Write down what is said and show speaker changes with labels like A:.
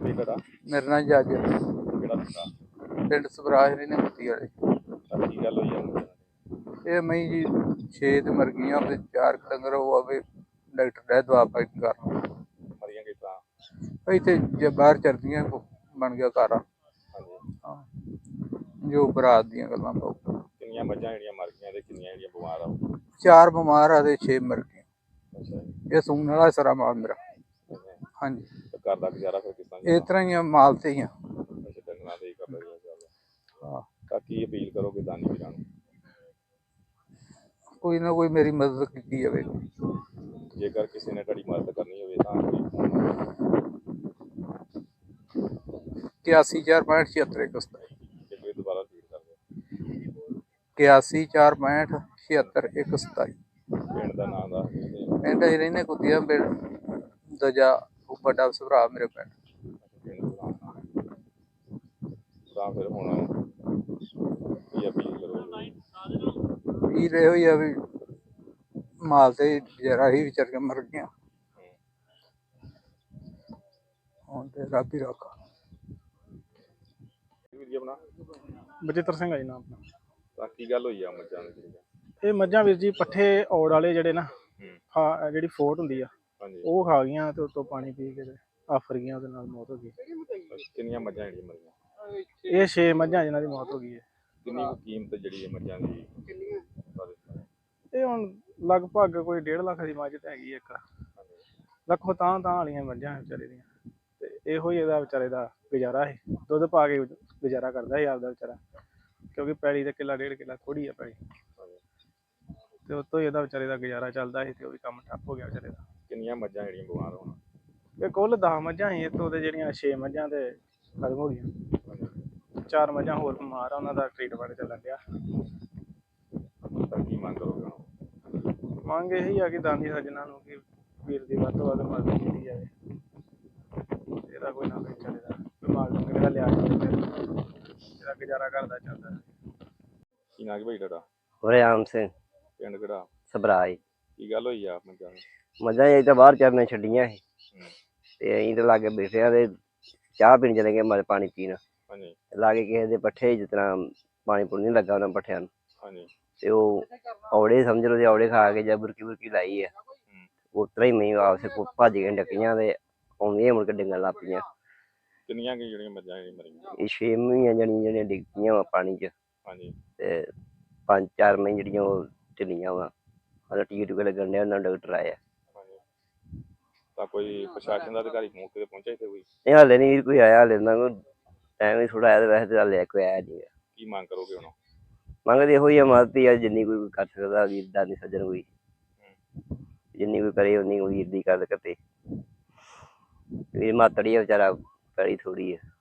A: ਬਈ ਤੁਹਾਡਾ?
B: मेरा नाम जज है।
A: ਕਿਹੜਾ ਪਿੰਡ?
B: पिंड सवराज ने मुक्ति वाले।
A: ਤਾਂ ਕੀ ਗੱਲ ਹੋਈ ਆ ਮੁੰਡੇ ਨਾਲ?
B: ये मई जी 6 ते मर गई ते 4 डंगर हुआ भी डॉक्टर ने दवा पाई कर
A: ਮਰੀਆਂ ਕਿਸ ਤਰ੍ਹਾਂ?
B: इतने जे बाहर चलदियां बन गया घर।
A: ਹਾਂਜੀ।
B: जो बरात दियां गल्लां बहुत।
A: ਕਿੰਨੀਆਂ ਮੱਝਾਂ ਜਿਹੜੀਆਂ ਮਰ ਗਈਆਂ ਤੇ ਕਿੰਨੀਆਂ ਜਿਹੜੀਆਂ ਬਿਮਾਰ ਆ?
B: 4 बीमार आ ते 6 मर गई।
A: ਅੱਛਾ ਜੀ।
B: ये सून वाला सारा माल मेरा। हाँ जी।
A: ਤੇ ਘਰ ਦਾ ਗੁਜ਼ਾਰਾ ਫਿਰ ਕਿਸ ਤਰ੍ਹਾਂ
B: इस
A: ਚੱਲਦਾ?
B: तरह ही माल से ही।
A: ਅੱਛਾ, ਡੰਗਰਾਂ ਦੇ ਹੀ ਕਰਦਾ ਜੀ ਚੱਲਦਾ।
B: हाँ,
A: ਤਾਂ ਕੀ ਅਪੀਲ ਕਰੋਗੇ ਦਾਨੀ ਵੀਰਾਂ ਨੂੰ?
B: कोई ना कोई मेरी मदद की जाए।
A: ਜੇਕਰ ਕਿਸੇ ਨੇ ਤੁਹਾਡੀ ਮਦਦ ਕਰਨੀ ਹੋਵੇ ਤਾਂ ਕੋਈ ਫੋਨ ਨੰਬਰ
B: 81 4 65 76 127।
A: ਜੇ ਕੋਈ ਦੁਬਾਰਾ ਰਿਪੀਟ ਕਰ ਦਿਓ।
B: 81 4 65 76 127।
A: ਪਿੰਡ ਦਾ ਨਾਮ ਦੱਸ ਦਿਓ ਤੇ
B: ਪਿੰਡ ਅਸੀਂ ਰਹਿੰਦੇ ਕੁੱਤੀਆਂ ਪਿੰਡ ਦੂਜਾ ਵੱਡਾ ਭਰਾ ਮੇਰੇ ਪਿੰਡ।
A: ਪਿੰਡ ਦਾ ਨਾਮ। ਤਾਂ ਫਿਰ ਹੁਣ ਕੀ ਅਪੀਲ ਕਰੋਗੇ?
B: ਵੀਰ ਇਹੋ ਹੀ ਆ ਵੀ ਮਾਲ ਤੇ ਜਰਾ ਹੀ ਵਿਚਾਰ ਕੇ ਮਰ ਗਿਆ। ਹੁਣ ਤੇ ਰੱਬ ਹੀ ਰੱਖਾ।
A: ਵੀਰ ਜੀ ਆਪਣਾ?
C: ਬਚਿੱਤਰ ਸਿੰਘ ਆ ਜੀ ਨਾਮ ਆਪਣਾ।
A: ਤਾਂ ਕੀ ਗੱਲ ਹੋਈ ਆ ਮੱਝਾਂ ਦੀ ਜਿਹੜੀਆਂ?
C: ਇਹ ਮੱਝਾਂ ਵੀਰ ਜੀ ਪੱਠੇ ਔੜ ਵਾਲੇ ਜਿਹੜੇ ਨਾ
A: ਹੂੰ।
C: ਖਾ ਜਿਹੜੀ ਫੋਟ ਹੁੰਦੀ ਆ
A: ਹਾਂਜੀ।
C: ਉਹ ਖਾ ਗਈਆਂ ਤੇ ਉੱਤੋਂ ਪਾਣੀ ਪੀ ਕੇ ਤੇ ਆਫਰ ਗਈਆਂ, ਉਹਦੇ ਨਾਲ ਮੌਤ ਹੋ ਗਈ।
A: ਕਿੰਨੀਆਂ ਮੱਝਾਂ ਜਿਹੜੀਆਂ ਮਰੀਆਂ?
C: ਇਹ 6 ਮੱਝਾਂ ਜਿਨ੍ਹਾਂ ਦੀ ਮੌਤ ਹੋ ਗਈ ਹੈ।
A: ਕਿੰਨੀ ਕੁ ਕੀਮਤ ਜਿਹੜੀ ਹੈ ਮੱਝਾਂ ਦੀ?
C: ਇਹ ਹੁਣ ਲਗਭਗ ਕੋਈ 1.5 ਲੱਖ ਦੀ ਮੱਝ ਤਾਂ ਹੈਗੀ ਇੱਕ। ਲੱਖੋਂ ਤਾਂ ਵਾਲੀਆਂ ਮੱਝਾਂ ਵਿਚਾਰੇ ਦੀਆਂ। ਤੇ ਇਹੋ ਹੀ ਇਹਦਾ ਵਿਚਾਰੇ ਦਾ ਗੁਜ਼ਾਰਾ ਹੈ। ਦੁੱਧ ਪਾ ਕੇ ਗੁਜ਼ਾਰਾ ਕਰਦਾ ਸੀ ਆਪਦਾ ਵਿਚਾਰਾ, ਕਿਉਂਕਿ ਪੈਲੀ ਦਾ ਕਿੱਲਾ 1.5 ਕਿੱਲਾ ਥੋੜੀ ਆ ਪੈਲੀ। ਤੇ ਉਤੋਂ ਹੀ ਇਹਦਾ ਵਿਚਾਰੇ ਦਾ ਗੁਜ਼ਾਰਾ ਚੱਲਦਾ ਸੀ ਤੇ ਉਹ ਵੀ ਕੰਮ ਠੱਪ ਹੋ ਗਿਆ ਵਿਚਾਰੇ ਦਾ।
A: ਕਿੰਨੀਆਂ ਮੱਝਾਂ ਜਿਹੜੀਆਂ ਬਿਮਾਰ ਹੋਣ?
C: ਇਹ ਕੁੱਲ 10 ਮੱਝਾਂ ਸੀ, ਇੱਥੋਂ ਦੇ ਜਿਹੜੀਆਂ 6 ਮੱਝਾਂ ਤੇ ਖਤਮ ਹੋ ਗਈਆਂ। 4 ਮੱਝਾਂ ਹੋਰ ਬਿਮਾਰ ਆ, ਉਹਨਾਂ ਦਾ ਟ੍ਰੀਟਮੈਂਟ ਚੱਲਣ ਡਿਆ।
A: ਤਾਂ ਕੀ ਮੰਗ ਕਰੋਗੇ ਹੁਣ?
C: ਮੰਗ ਇਹੀ ਆ ਕਿ ਦਾਨੀ ਸੱਜਣਾ ਨੂੰ ਕਿ ਵੀਰ ਦੀ ਵੱਧ ਤੋਂ ਵੱਧ ਮਦਦ ਕੀਤੀ ਜਾਵੇ। ਇਹਦਾ ਕੋਈ ਨਾ ਕੋਈ ਵਿਚਾਰੇ ਦਾ ਬਿਮਾਰ ਡੰਗਰ ਦਾ ਲਿਆ ਜਾਵੇ ਫਿਰ ਇਹਦਾ ਗੁਜ਼ਾਰਾ ਕਰਦਾ ਚੱਲਦਾ।
A: ਕੀ ਨਾਂ ਕੀ ਭਾਈ ਤੁਹਾਡਾ?
D: ਵਰਿਆਮ ਸਿੰਘ,
A: ਪਿੰਡ ਕਿਹੜਾ?
D: ਸਬਰਾਈ।
A: ਕੀ ਗੱਲ ਹੋਈ ਆ ਮੱਝਾਂ ਨੂੰ?
D: ਮੱਝਾਂ ਅਸੀਂ ਤਾਂ ਬਾਹਰ ਚਰਨੇ ਛੱਡੀਆਂ ਸੀ
A: ਹੂੰ।
D: ਤੇ ਅਸੀਂ ਤਾਂ ਲਾਗੇ ਬੈਠੇ ਆ ਤੇ ਚਾਹ ਪੀਣ ਚਲੇ ਗਏ, ਮਰ ਪਾਣੀ ਪੀਣ
A: ਹਾਂਜੀ।
D: ਲਾਗੇ ਕਿਸੇ ਦੇ ਪੱਠੇ ਜਿਸ ਤਰ੍ਹਾਂ ਪਾਣੀ ਪੂਣੀ ਨਹੀਂ ਲੱਗਾ ਉਹਨਾਂ ਪੱਠਿਆਂ ਨੂੰ
A: ਹਾਂਜੀ।
D: ਤੇ ਉਹ ਔੜੇ ਸਮਝ ਲਓ, ਔੜੇ ਖਾ ਕੇ ਜਾਂ ਬੁਰਕੀ ਲਾਈ ਆ। ਉਸ ਤਰ੍ਹਾਂ ਹੀ ਮੈਂ ਆਪਸੇ ਭੱਜ ਕੇ ਡੱਕੀਆਂ ਤੇ ਆਉਂਦੀਆਂ ਮੁੜ ਕੇ ਡਿੱਗਣ ਲੱਗ ਪਈਆਂ।
A: ਕਿੰਨੀਆਂ ਕਿ ਜਿਹੜੀਆਂ ਮੱਝਾਂ ਜਿਹੜੀਆਂ ਮਰੀਆਂ?
D: ਇਹ 6 ਮਹੀਆਂ ਜਿਹੜੀਆਂ ਡਿੱਗ ਪਈਆਂ ਵਾ ਪਾਣੀ 'ਚ।
A: ਹਾਂਜੀ।
D: ਤੇ 5-4 ਮਹੀਨੇ ਜਿਹੜੀਆਂ ਉਹ ਢਿੱਲੀਆਂ ਵਾ, ਉਹਨਾਂ ਟੀਕੇ ਟੂਕੇ ਲੱਗਣ ਡਿਆ, ਉਹਨਾਂ ਡਾਕਟਰ ਆਇਆ।
A: ਹਾਂਜੀ। ਤਾਂ ਕੋਈ ਪ੍ਰਸ਼ਾਸਨ ਦਾ ਅਧਿਕਾਰੀ ਮੌਕੇ ਤੇ ਪਹੁੰਚਿਆ ਇੱਥੇ ਕੋਈ?
D: ਇਹ ਹਾਲੇ ਨਹੀਂ ਕੋਈ ਆਇਆ, ਹਾਲੇ ਨਾ ਕੋਈ ਟਾਈਮ ਹੀ ਥੋੜਾ ਆਇਆ ਤੇ ਵੈਸੇ ਤਾਂ ਹਾਲੇ ਕੋਈ ਆਇਆ ਨਹੀਂ।
A: ਕੀ ਮੰਗ ਕਰੋਗੇ ਹੁਣ?
D: ਮੰਗਦੇ ਇਹੋ ਹੀ ਆ ਮਦਦ ਹੀ ਆ, ਜਿੰਨੀ ਕੋਈ ਕਰ ਸਕਦਾ ਵੀਰ ਦਾਨੀ ਸੱਜਣ ਕੋਈ ਜਿੰਨੀ ਕੋਈ ਕਰੇ ਉਨੀ ਵੀਰ ਦੀ ਗੱਲ ਕਰਤੇ। ਵੀਰ ਮਾਤੜੀ ਆ ਵਿਚਾਰਾ, ਪੈਲੀ ਥੋੜੀ ਆ।